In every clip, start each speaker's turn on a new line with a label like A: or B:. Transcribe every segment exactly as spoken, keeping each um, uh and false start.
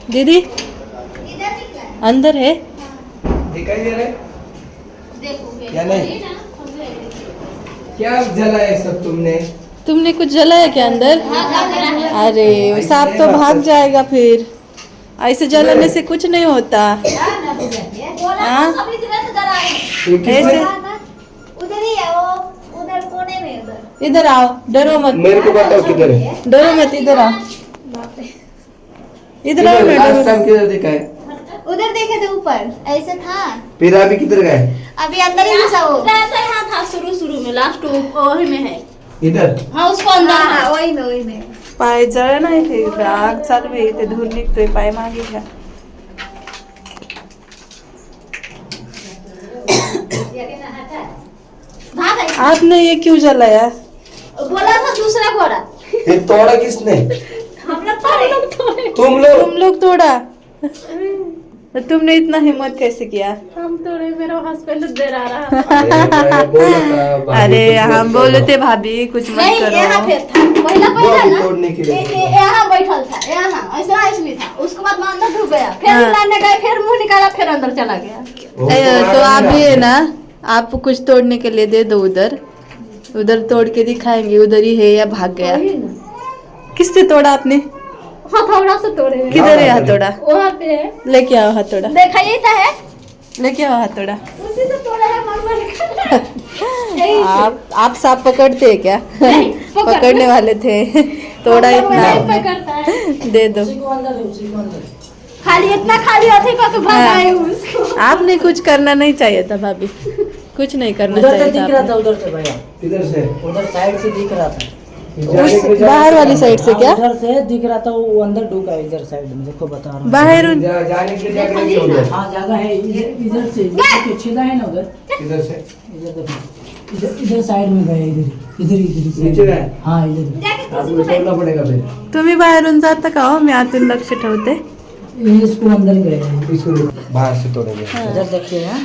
A: दीदी अंदर है?
B: दिखाई दे रहा है क्या? नहीं, क्या जलाया सब तुमने?
A: तुमने कुछ जलाया क्या अंदर? अरे सांप तो भाग जाएगा फिर। ऐसे जलाने से कुछ नहीं होता। हाँ? ऐसे
C: उधर ही है वो, उधर कोने में उधर।
A: इधर आओ, डरो मत।
B: मेरे को बताओ किधर है?
A: डरो मत, इधर आओ। इधर आओ ना,
B: लास्ट
A: डरो।
B: टाइम किधर देखा है?
C: उधर देखे थे ऊपर, ऐसे था।
B: फिर अभी किधर गए?
C: अभी अंदर ही घुसा वो।
D: ऐसा यहाँ था शुरू शुरू में, लास्ट वही में है।
B: इधर
D: हाँ उसको अंदर
C: हाँ
D: था।
C: हाँ, वही में वही में।
A: पाय जळ नाही ते आग चालू आहे ते धूर निघतोय पाय मागे घ्या.
C: भाग आई।
A: आपने ये क्यों जलाया?
C: बोला था दूसरा घोड़ा।
B: ये तोड़ा किसने?
C: हम लोग तोड़े।
B: तुम लोग?
A: तुम लोग तोड़ा? तो तुमने इतना हिम्मत कैसे किया?
D: हम तोड़े, मेरा हस्बैंड दे रहा रहा।
B: अरे मैं बोला था भाभी
A: अरे
B: कुछ मत
A: हम बोले
B: करो।
A: थे भाभी कुछ मत
C: नहीं, यहाँ
A: करो.
C: पे था पहला
B: वो
C: पहला
B: अभी
C: ना,
B: तोड़ने के लिए
C: ए- ए- यहाँ बैठल था, यहाँ ऐसा इसमें था। उसके बाद मैं अंदर डूब गया, फिर
A: हाँ।
C: लाने गए, फिर मुंह निकाला, फिर अंदर चला गया।
B: वो
A: ए,
B: तुम्हारा
A: तो आप
B: नहीं
A: भी है
B: रहा।
A: ना, आप कुछ तोड़ने के लिए दे दो उधर. उधर तोड़ के दिखाएंगे उधर ही है या भाग गया.
C: वही ना।
A: किससे तोड़ा आपने?
C: हथौड़ा से तोड़े।
A: किधर है हथौड़ा?
C: वहाँ पे है।
A: लेके आओ हथौड़ा.
C: देखा ही था है,
A: लेके आओ हथौड़ा.
C: उसी से तोड़ा है, मर मर के। यही से।
A: आप आप सांप पकड़ते हैं क्या?
C: नहीं, पकड़-
A: पकड़ने वाले थे. तोड़ा
C: नहीं
A: इतना
C: पकड़ता है।
A: दे दो.
C: खाली इतना खाली होती को तो भगाए उसको।
A: आपने कुछ करना नहीं चाहिए था भाभी. कुछ नहीं करना
E: उधर से
A: चाहिए
E: दिख
A: था
E: रहा
A: आपने.
E: था, उधर से भैया,
B: किधर से?
E: उधर साइड से दिख रहा था।
B: जाने
A: उस
B: के लिए
A: बाहर वाली साइड से
E: हाँ,
A: क्या?
E: उधर से दिख रहा था, वो अंदर ढुका है इधर साइड में, देखो बता रहा हूँ।
A: बाहर
B: जा- जाने के लिए जाके नहीं उधर।
E: हाँ जगह है, इधर इधर से देखो, छेदा है ना उधर,
B: किधर से?
E: इधर देखो, इधर इधर साइड में गए, इधर इधर इधर side
B: नीचे
E: में।
B: गए?
E: हाँ इधर
C: जाके
B: आपको छोड़ना पड़ेगा फिर
A: तुम्ही बाहेरून जाता का हो? मी आतून लक्ष ठेवते.
E: ये इसको अंदर गए हैं।
B: इसको बाहर से तोड़ेंगे.
E: इधर देखिए हैं,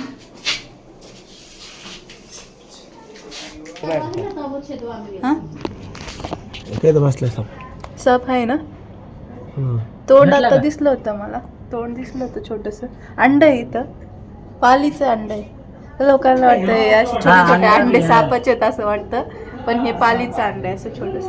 A: हा?
B: काय बसले सब.
A: सप आहे ना. तोंड आता दिसलं होतं मला. तोंड दिसलं होतं छोटस. अंड आहे इथं. पालीचं अंड आहे. लोकांना वाटतं हे असे छोटे
E: हा,
A: छोटे
E: अंडा
A: अंडे
E: आहे.
A: सापाचे आहेत असं वाटतं. पण हे पालीचं अंड आहे असं छोटस.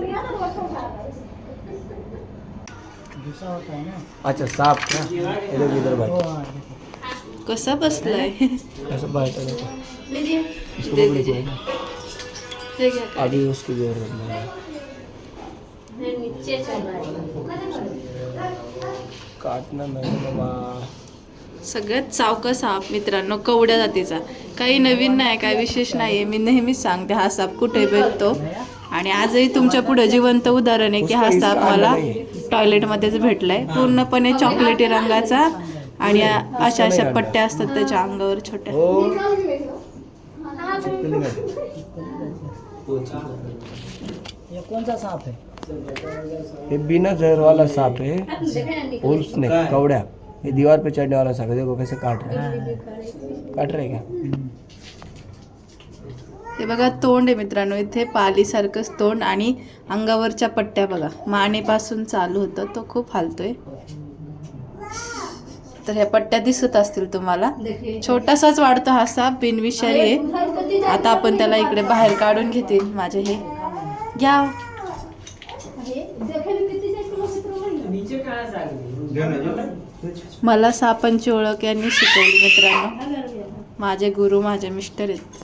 E: गुस्सा होता है ना।
B: अच्छा सांप का इधर इधर
E: वो
B: भाई
E: हाँ,
A: कसा बसलाय?
B: ऐसा बैठा देखो.
A: लीजिए.
B: इसको
A: दे
B: पकड़
A: दीजिए.
B: के
A: हे घ्या.
B: अभी उसकी जरूरत नहीं है.
D: नीचे चल रहा है।
B: काटना नाही बाबा.
A: सगळ्यात सावका साप मित्रांनो, कवड्या जातीचा. काही नवीन नाही, काही विशेष नाहीये. मी नेहमीच सांगते हा साप कुठे भेटतो. आणि आजही तुमच्या पुढे जिवंत उदाहरण आहे की हा साप मला टॉयलेटमध्येच भेटलाय. पूर्णपणे चॉकलेटी रंगाचा आणि अशा अशा पट्ट्या असतात त्याच्या अंगावर छोट्या.
B: हो
E: ये कौन सा सांप है?
B: ये बिना जहर वाला सांप है. और उसने कवड़ा ये दीवार पे चढ़ने वाला सांप है. देखो कैसे काट रहा है. काट रहे क्या?
A: ते बघा तोंड आहे मित्रांनो. इथे पालीसारखंच तोंड आणि अंगावरच्या पट्ट्या बघा. मानेपासून चालू होतं, तो खूप हालतोय. तर ह्या पट्ट्या दिसत असतील तुम्हाला. छोटासाच वाढतो हा साप, बिनविषारी आहे. आता आपण त्याला इकडे बाहेर काढून घेतील. माझे हे घ्या. मला सापांची ओळख यांनी शिकवली मित्रांनो. माझे गुरु माझे मिस्टर आहेत.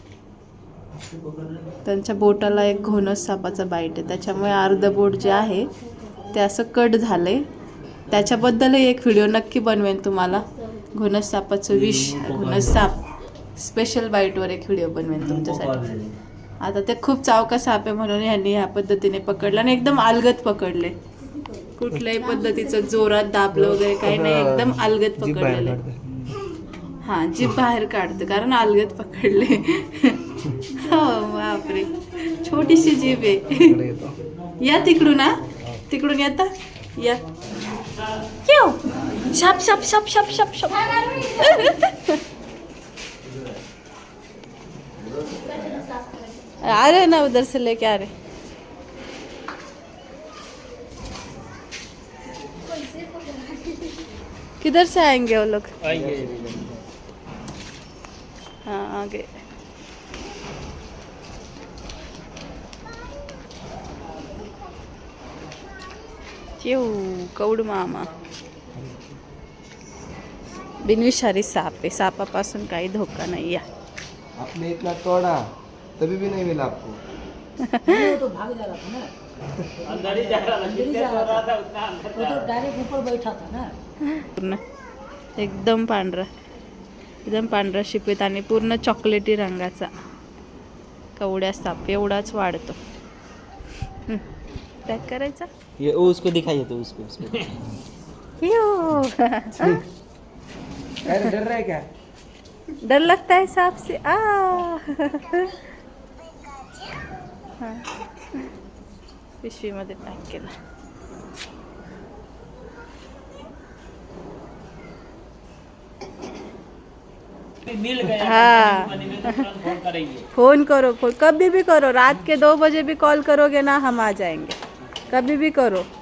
A: त्यांच्या बोटाला एक घोणस सापाचा बाईट आहे, त्याच्यामुळे अर्ध बोट जे आहे ते असं कट झालंय. त्याच्याबद्दलही एक व्हिडिओ नक्की बनवेन तुम्हाला. घोणस सापाचं विष, घोणस साप स्पेशल बाईटवर एक व्हिडिओ बनवेन तुमच्यासाठी. आता ते खूप चावका साप आहे म्हणून यांनी ह्या पद्धतीने पकडलं आणि एकदम अलगद पकडले. कुठल्याही पद्धतीचं जोरात दाबलं वगैरे काही नाही, एकदम अलगद पकडलेलं आहे. हा जीभ बाहेर काढतं कारण अलगद पकडले. हो बापरे, छोटीशी जीभ आहे. या तिकडून ना, तिकडून येता या. क्यों? शप शप शप शप शप शप. आ रहे ना उधर से लेके आ रहे. किधर से आएंगे वो लोग?
B: आएंगे।
A: हाँ आगे। चिव कौड मामा. बिनविषारी साप आहे, सापापासून काही धोका नाही आहे.
B: आपने इतना तोड़ा तभी भी नहीं मिला आपको।
E: वो तो भाग जा रहा था ना, अंदर ही जा रहा था, वो तो डायरेक्ट ऊपर बैठा था ना।
A: पूर्ण एकदम पांढरा, एकदम पांढरा शिपीत आणि पूर्ण चॉकलेटी रंगाचा कवड्या साप एवढाच वाढतो. पॅक करायचा.
F: ये वो उसको दिखाइए तो उसको उसको
A: यो.
B: अरे डर रहा है क्या?
A: डर लगता है सांप से. आ हाँ. पिशवीमध्ये पॅक केला.
F: मिल गया
A: हाँ.
F: फोन करेंगे।
A: फोन करो, फोन कभी भी करो, रात के दो बजे भी कॉल करोगे ना हम आ जाएंगे, कभी भी करो.